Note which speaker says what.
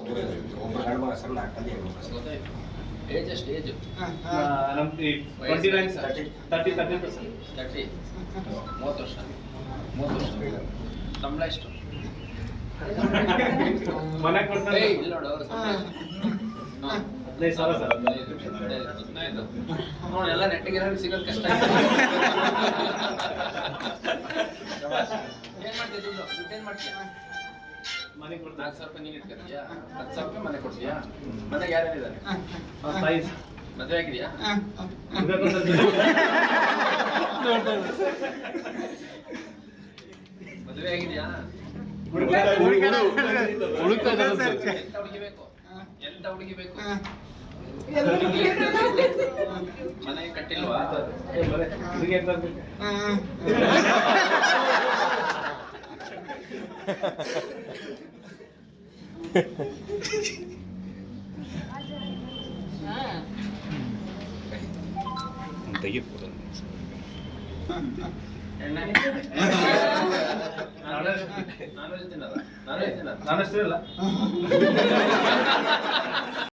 Speaker 1: ಒಬ್ಬರು ಗಂಡು ಮಗ ಸರ್ 4 ಮಂದಿ ಹೆಣ್ಣು ಮಗ ಸರ್.
Speaker 2: ಏಜ್ ಎಷ್ಟು ಏಜ್?
Speaker 1: ನಮ್ದು 29 ಸರ್ 30
Speaker 2: ವರ್ಷ 30 ವರ್ಷ. ಸಂಬಳ ಎಷ್ಟು?
Speaker 1: ಮನೆ ಕೊಡ್ತಾರೆ
Speaker 2: ಇಲ್ಲಿ ನೋಡು ಸಂಬಳ ಎಷ್ಟು?
Speaker 1: 15,000 ಸರ್.
Speaker 2: 15 ನೋಡಿ ಎಲ್ಲ ನೆಟ್ಟಿಗೆ ಸಿಗೋದು ಕಷ್ಟ. ಏನ್ ಮಾಡ್ತೀಯ ದುಡ್ಡು ಏನ್ ಮಾಡ್ತೀಯ?
Speaker 1: ಮನೆ ಕೊಡ್ತಾರೆ
Speaker 2: 4,000 ರೂಪಾಯಿ ನೀನು ಇಟ್ಕೊತೀಯಾ? 10,000 ರೂಪಾಯಿ ಮನೆ ಕೊಡ್ತೀಯಾ? ಮನೆಗೆ ಯಾರ್ಯಾರಿದ್ದಾರೆ?
Speaker 1: ತಾಯಿ
Speaker 2: ಮದುವೆ ಆಗಿದೆಯಾ? ಮದುವೆ ಆಗಿದೆಯಾ? ಎಂತ ಹುಡುಗಿ ಬೇಕು? ಮನೆ ಕಟ್ಟಿಲ್ವಾ? ನಾನು